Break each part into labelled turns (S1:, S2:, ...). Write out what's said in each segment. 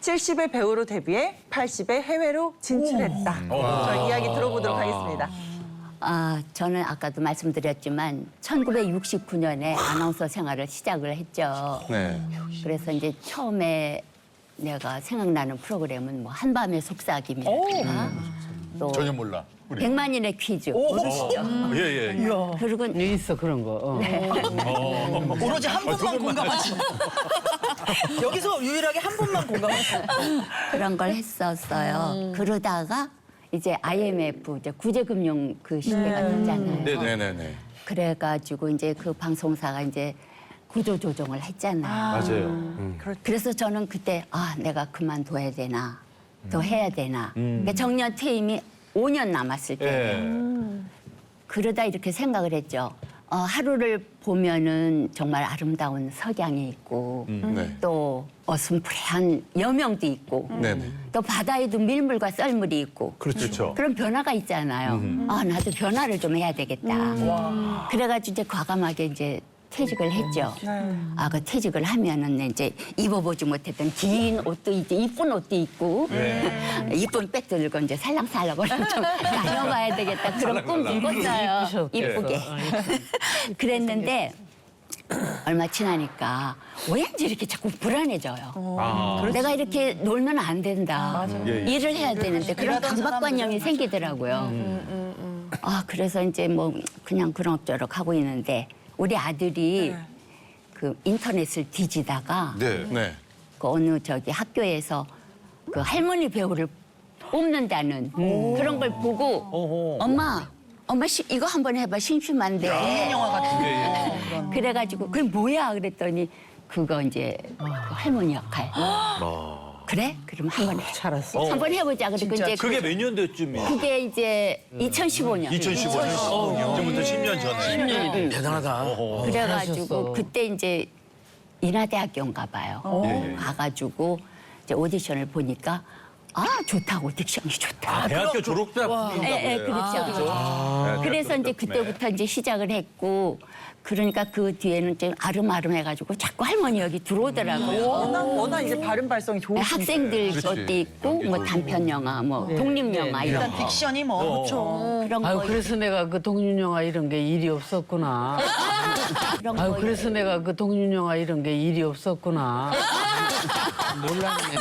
S1: 70의 배우로 데뷔해 80의 해외로 진출했다. 저 이야기 들어보도록 하겠습니다.
S2: 저는 아까도 말씀드렸지만 1969년에 아나운서 생활을 시작을 했죠.
S3: 네.
S2: 그래서 이제 처음에 내가 생각나는 프로그램은 뭐 한밤의 속삭임이라든가 또
S3: 전혀 몰라. 우리.
S2: 100만인의 퀴즈.
S3: 예.
S2: 그리고
S4: 있어 그런 거.
S5: 오로지 한 분만 공감하시네. 여기서 유일하게 한 분만 공감하시네.
S2: 그런 걸 했었어요. 그러다가 이제 IMF 이제 구제금융 그 시대가 됐잖아요.
S3: 네네네.
S2: 그래가지고 이제 그 방송사가 이제 구조조정을 했잖아요.
S3: 맞아요.
S2: 그래서 저는 그때 내가 그만둬야 되나 더 해야 되나. 그러니까 정년 퇴임이 5년 남았을 때
S3: 예.
S2: 그러다 이렇게 생각을 했죠. 하루를 보면은 정말 아름다운 석양이 있고
S3: 네.
S2: 또 어슴푸레한 여명도 있고
S3: 네네.
S2: 또 바다에도 밀물과 썰물이 있고
S3: 그렇죠.
S2: 그런 변화가 있잖아요. 나도 변화를 좀 해야 되겠다. 그래가지고 이제 과감하게 이제 퇴직을 했죠. 그 퇴직을 하면은 이제 입어보지 못했던 긴 옷도 이제 이쁜 옷도 입고 이쁜 백 들고 이제 살랑살랑 좀 다녀봐야 되겠다. 그런 꿈도 꿨어요. 이쁘게. 그랬는데 얼마 지나니까 왠지 이렇게 자꾸 불안해져요. 내가 이렇게 놀면 안 된다. 일을 해야 되는데 그런 강박관념이 생기더라고요. 그래서 이제 뭐 그냥 그럭저럭 하고 있는데 우리 아들이 그 인터넷을 뒤지다가
S3: 네.
S2: 그 어느 저기 학교에서 그 할머니 배우를 뽑는다는 그런 걸 보고 엄마 이거 한번 해봐 심심한데
S5: 영화 같은.
S2: 그래가지고 그게 뭐야 그랬더니 그거 이제 그 할머니 역할 그래? 그럼 한번 해.
S4: 잘했어.
S2: 한번 해보자. 그리고 이제
S6: 그게 몇 년도쯤이에요?
S2: 그게 이제 2015년.
S6: 2015년. 지금부터 10년 전에.
S5: 대단하다.
S2: 그래가지고
S4: 잘하셨어.
S2: 그때 이제 인하대학교인가 봐요. 가가지고 이제 오디션을 보니까 좋다고 딕션이 좋다.
S6: 대학교 졸업 때
S2: 그렇죠. 그래서 이제 그때부터 이제 시작을 했고 그러니까 그 뒤에는 좀 아름아름해가지고 자꾸 할머니 여기 들어오더라고요.
S1: 워낙 이제 발음 발성이 좋으시니까.
S2: 학생들 것도 있고 뭐 단편 영화, 뭐 독립 영화 이런
S5: 일단 딕션이 뭐. 그렇죠.
S2: 그런
S4: 아유
S2: 거
S4: 그래서 내가 그 독립영화 이런 게 일이 없었구나.
S2: 그런
S4: 아유
S2: 거
S4: 그래서 내가 그 독립영화 이런 게 일이 없었구나. 몰랐네.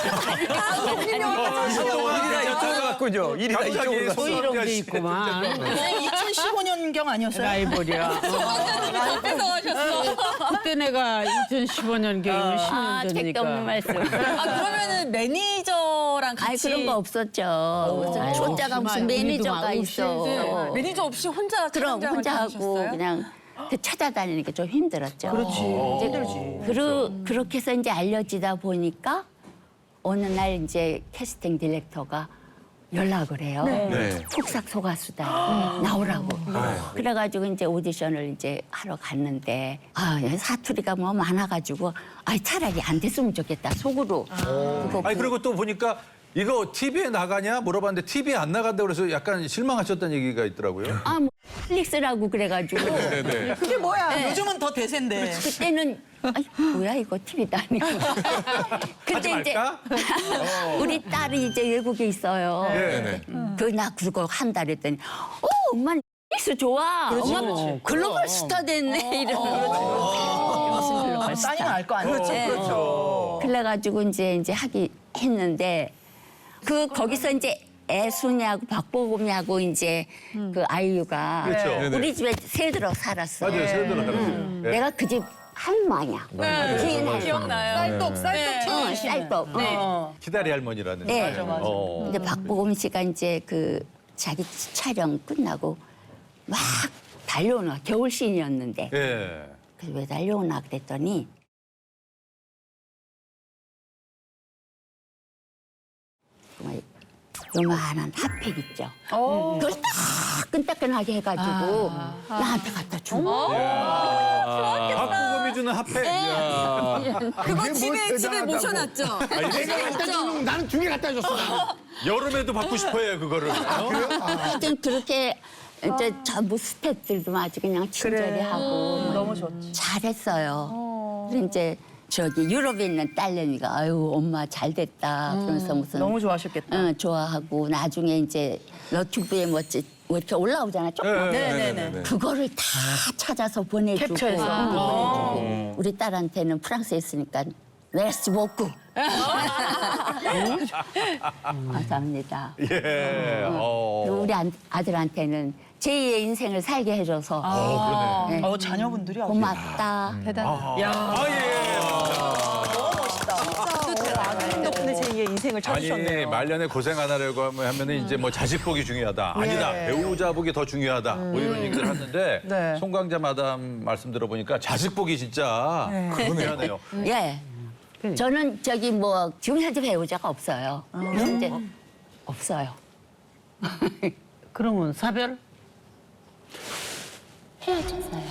S6: 갔군요. 일이 다 이쪽으로 갔어.
S4: 소이런 게 있구만.
S5: 2015년경 아니었어요?
S4: 라이벌이야. 그때 내가 2015년경이면 10년
S2: 책도 없는
S4: 전이니까.
S2: 말씀.
S7: 그러면은 매니저랑
S2: 아니
S7: 같이
S2: 그런 거 없었죠. 무슨 초짜가 무슨 매니저가 있어.
S7: 매니저 없이 혼자
S2: 그럼
S7: 촬영장을
S2: 혼자 하고
S7: 다니셨어요?
S2: 그냥 찾아다니는 게 좀 힘들었죠. 그렇지. 힘들지. 그렇게 해서 이제 알려지다 보니까 어느 날 이제 캐스팅 디렉터가 연락을 해요.
S3: 네.
S2: 폭삭 소가수다 나오라고. 그래가지고 이제 오디션을 이제 하러 갔는데 사투리가 뭐 많아가지고 차라리 안 됐으면 좋겠다 속으로. 그거
S6: 아니 그리고 또 보니까 이거 TV에 나가냐 물어봤는데 TV에 안 나간다고 그래서 약간 실망하셨다는 얘기가 있더라고요.
S2: 뭐 넷플릭스라고 그래가지고
S3: 네네.
S5: 그게 뭐야? 요즘은 더 대세인데.
S2: 그때는 뭐야 이거 TV도 아니고.
S6: 하지 말까?
S2: 우리 딸이 이제 외국에 있어요.
S3: 네네.
S2: 나 그거 한다 그랬더니 엄마 넷플릭스 좋아. 엄마 글로벌 스타 됐네 이러고. 무슨 글로벌 스타.
S5: 따니면 알 거 아니에요?
S6: 그렇죠.
S2: 그래가지고 이제 하기 했는데 거기서 이제 애순이하고 박보검이하고 이제 그 아이유가
S6: 그렇죠.
S2: 우리 집에 새들어 살았어.
S3: 맞아요. 새들어 살았어요. 네.
S2: 내가 그 집 할머니야. 주인 할머니.
S7: 기억나요?
S2: 쌀떡.
S6: 기다리 할머니라는.
S2: 네.
S5: 맞아.
S2: 근데 박보검 씨가 이제 그 자기 촬영 끝나고 막 달려오나 겨울 씬이었는데
S6: 예.
S2: 그래서 왜 달려오나 그랬더니 정말 요만한 핫팩 있죠. 그걸 따끈따끈하게 해가지고 나한테 갖다 준 거야.
S6: 박보검이 주는 핫팩.
S7: 그거 집에 모셔놨죠?
S3: 나는 두 개 갖다 줬어.
S6: 여름에도 받고 싶어요 그거를.
S2: 하여튼 그렇게 이제 전부 스태프들도 아주 그냥 친절히 하고
S1: 너무 좋지.
S2: 잘했어요. 그래서 이제 저기 유럽에 있는 딸내미가 아유 엄마 잘 됐다 그러면서 무슨
S5: 너무 좋아하셨겠다.
S2: 응, 좋아하고 나중에 이제 너튜브에 뭐 이렇게 올라오잖아 조금.
S5: 네네네.
S2: 그거를 다 찾아서 보내주고
S5: 캡처해서.
S2: 보내주고 우리 딸한테는 프랑스에 있으니까 메르시 보쿠. 감사합니다.
S3: 예.
S2: 그리고 우리 아들한테는 제2의 인생을 살게 해줘서
S3: 그러네.
S2: 네,
S5: 자녀분들이 아주
S2: 고맙다.
S3: 아, 예.
S5: 너무 멋있다.
S1: 아드님 덕분에 제2의 인생을
S6: 아니
S1: 찾으셨네요.
S6: 말년에 고생 안 하려고 하면은 이제 뭐 자식 복이 중요하다. 아니다. 배우자 복이 더 중요하다. 뭐 이런 얘기를 하는데
S5: 네.
S6: 송강자 마담 말씀 들어보니까 자식 복이 진짜 중요하네요.
S2: 예. 저는 저기 뭐 지금 현재 배우자가 없어요. 그래서 이제 없어요.
S4: 그러면 사별?
S2: 헤어졌어요.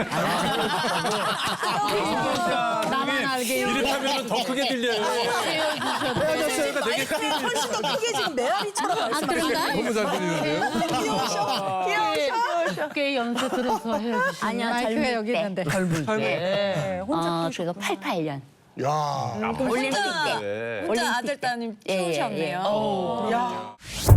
S4: 나만 알게
S6: 이렇게 하면 더 크게 들려요. 헤어졌어요가 되게 크게 들려요.
S5: 훨씬 더 크게 지금 메아리처럼 말씀하시네요.
S3: 너무 잘 들리는데요?
S5: 귀여우셔.
S4: 꽤 연세 들어서 헤어지신
S2: 아니요,
S7: 마이크가
S2: 젊을
S7: 여기
S2: 때.
S7: 있는데.
S4: 젊을 때.
S1: 네, 혼자
S2: 그거 88년.
S3: 야.
S2: 올림픽 때.
S6: 네.
S7: 혼자 아들 따님
S2: 예, 예, 예.
S7: 키우셨네요.
S5: 야.